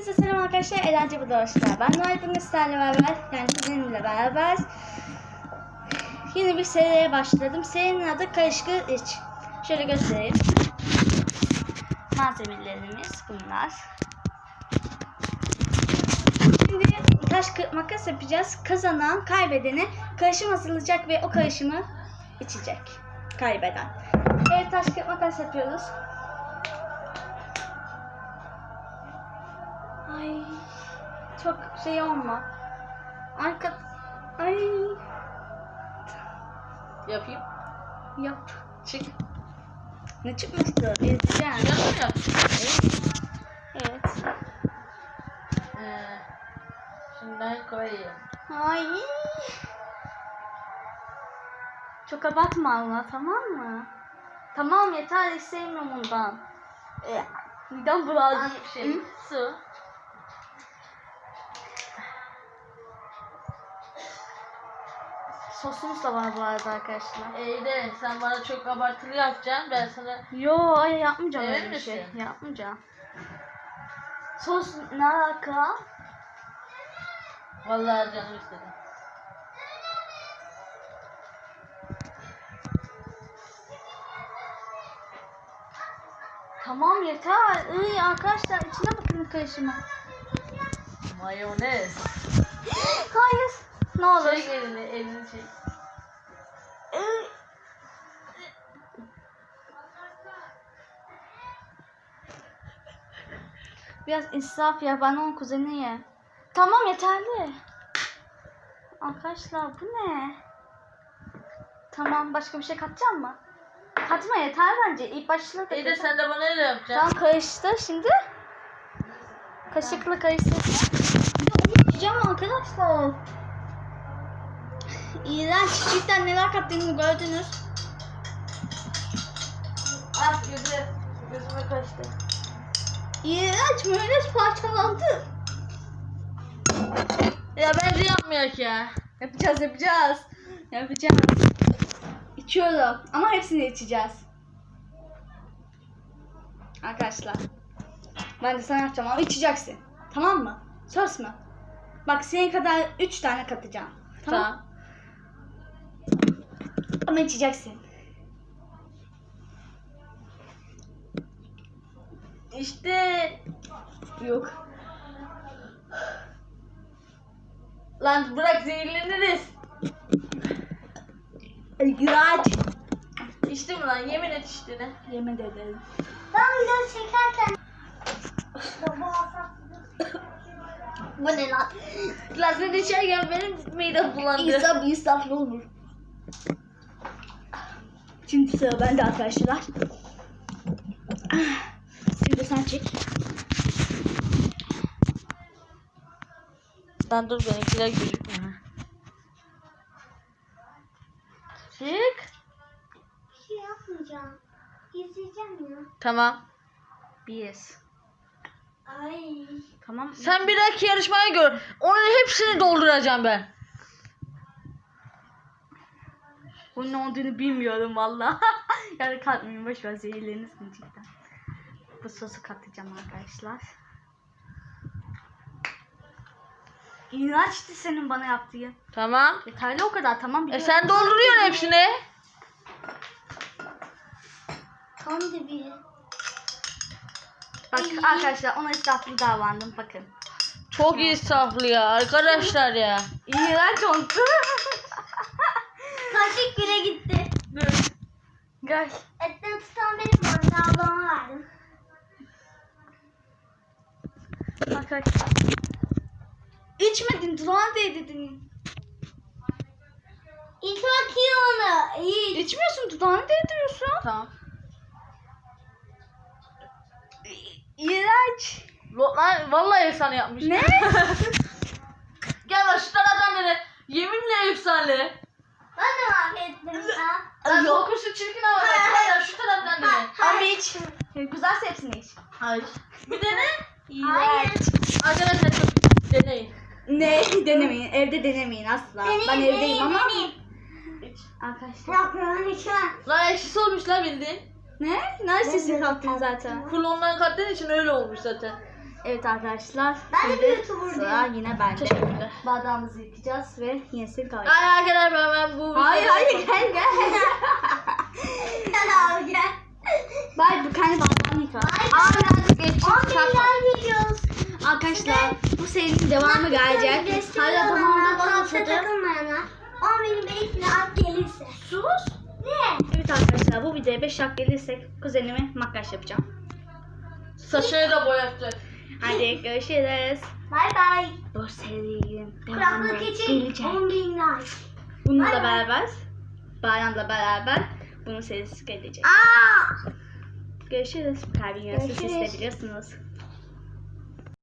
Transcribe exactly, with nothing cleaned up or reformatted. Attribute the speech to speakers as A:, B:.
A: Hepinize selam arkadaşlar. Eğlence bu doğuşlar. Ben Noel bugün sizlerle beraber, yani sizinle beraber yeni bir seriye başladım. Serinin adı Karışık İç. Şöyle göstereyim. Malzemelerimiz bunlar. Şimdi taş kağıt makas yapacağız. Kazanan kaybedene karışım hazırlayacak ve o karışımı içecek. Kaybeden. Evet, taş kağıt makas yapıyoruz. Ay, çok şey olma. Arka, ay.
B: Yapayım.
A: Yap.
B: Çık.
A: Ne çıkmıştı? İzleyeceğim.
B: Yapmıyor.
A: Evet.
B: Ee, şimdi ben koyayım.
A: Ay. Çok abartma Allah, tamam mı? Tamam, yeter, istemiyorum ondan. Ee, midem bulandı.
B: Bir şey.
A: Hı?
B: Su.
A: Sosumuz da var bu arada arkadaşlar.
B: İyi de sen bana çok abartılı yapacaksın. Ben sana
A: Yo, ay yapmayacağım
B: Emin
A: öyle bir şey.
B: misin?
A: Yapmayacağım. Sos ne alaka?
B: vallahi canım istedi.
A: Tamam, yeter. İyi arkadaşlar, içine bakın karışımı.
B: Mayonez.
A: Hayır. Ne olur.
B: Çek elini, elini çek.
A: Iy. Biraz israf ya, ben onun kuzeniyim. Tamam, yeterli. Arkadaşlar bu ne? Tamam, başka bir şey katacağım mı? Katma, yeter bence. İlk başta
B: İyi de sen de bana öyle yapacaksın.
A: Tamam, karıştı şimdi. Kaşıkla karıştırsın. Yiyeceğim arkadaşlar. İğrenç, cidden neler kattığını gördünüz.
B: Ah gözü. Gözüme kaçtı.
A: İğrenç, mayonez parçalandı.
B: Ya bence yapmayak ya.
A: Yapacağız, yapacağız. Yapacağız. İçiyorum ama hepsini içeceğiz. Arkadaşlar. Ben de sana yapacağım ama içeceksin. Tamam mı? Söz mü? Bak, senin kadar üç tane katacağım. Tamam.
B: Tamam.
A: Ama içeceksin.
B: İşte.
A: Yok.
B: Lan bırak zehirleniriz.
A: İğrenç.
B: İçti mi lan? Yemin et içtiğine.
A: Yemin ederim.
C: Ben video çekerken
A: Bu ne lan?
B: Lan sen içerken benim midem bulandı.
A: İnsaf insaflı olur. Şimdi sıra bende arkadaşlar. Şimdi sen çek.
B: Lan dur, benimkiler gözükmüyor. Çık.
C: bir şey yapmayacağım. İzleyeceğim ya.
B: Tamam.
A: Bir.
C: Ay.
A: Tamam.
B: Sen bir dahaki yarışmaya gör. Onun hepsini dolduracağım ben.
A: Bunun ne olduğunu bilmiyorum valla. Yani katmayın, boş ver, zehirlenirsin cidden. Bu sosu katacağım arkadaşlar. İğrençti senin bana yaptığın.
B: Tamam.
A: Yeterli o kadar, tamam,
B: E
A: biliyorum.
B: sen dolduruyorsun hepsini.
C: Tam da bir.
A: Bak arkadaşlar, ona israflı davrandım, bakın.
B: Çok insaflı ya arkadaşlar ya.
A: İğrenç oldu.
C: Kaşık bile gitti.
A: Dur. Gel.
C: Etten tutan benim vardı. Ablama verdim.
A: Arkadaşlar. İçmedin, dudağına değdirdin.
C: İç bakayım onu. İç.
A: İçmiyorsun, dudağına değdiriyorsun.
B: Tamam.
A: İğrenç.
B: Lan vallahi efsane yapmış.
A: Ne?
B: Gel lan şu taraftan beri. Yeminle efsane.
C: Ben de mahvettim ya.
B: Lan
A: Yok.
B: kokusu çirkin ama. Gel lan şu taraftan beri.
A: Ama iç. Güzelse hepsini iç.
B: Hayır. Bir dene.
C: Hayır.
B: Arkadaşlar çok deneyin.
A: Ne? Denemeyin. Evde denemeyin asla.
C: Deneyim,
A: ben evdeyim
C: deneyim,
A: ama.
C: deneyim.
B: İç.
A: Arkadaşlar.
C: Yapıyorum içmem.
B: Lan ekşisi olmuş lan bildiğin.
A: Ne? Nerede sesini kaptın zaten?
B: Full ondan kattığın için öyle olmuş zaten.
A: Evet arkadaşlar.
C: Ben de
A: şimdi
C: bir YouTuber
A: sıra
C: değilim.
A: yine bende.
B: Teşekkürler.
A: Bardağımızı yıkayacağız ve yenisini kalacak.
B: Ay arkadaşlar ben, ben bu
A: Hayır
B: videoda-
A: hayır gel gel.
C: Gel abi gel.
A: Bay bu kendi bardağını yıka.
C: Bay
A: Aa birazcık geçecek.
C: on
A: Çarpma.
C: milyon videos.
A: Arkadaşlar bu serinin devamı gelecek. Hala tamamda
C: Tatlıya
A: tanıtıldı.
C: takılmayana on benim beş at gelirse. Sus. Ne?
A: Evet arkadaşlar bu videoya beş dakika gelirsek kuzenime makyaj yapacağım.
B: Saçını da boyattı.
A: Hadi görüşürüz.
C: Bay bay.
A: Bu serinin devamı
C: Kuraklık için
A: gelecek.
C: on bin like.
A: Bununla
C: Bay bay.
A: beraber, bayramla beraber bunun serisi gelecek.
C: Aa!
A: Görüşürüz. Kalbin yarısı siz de
C: Görüşürüz.
A: biliyorsunuz.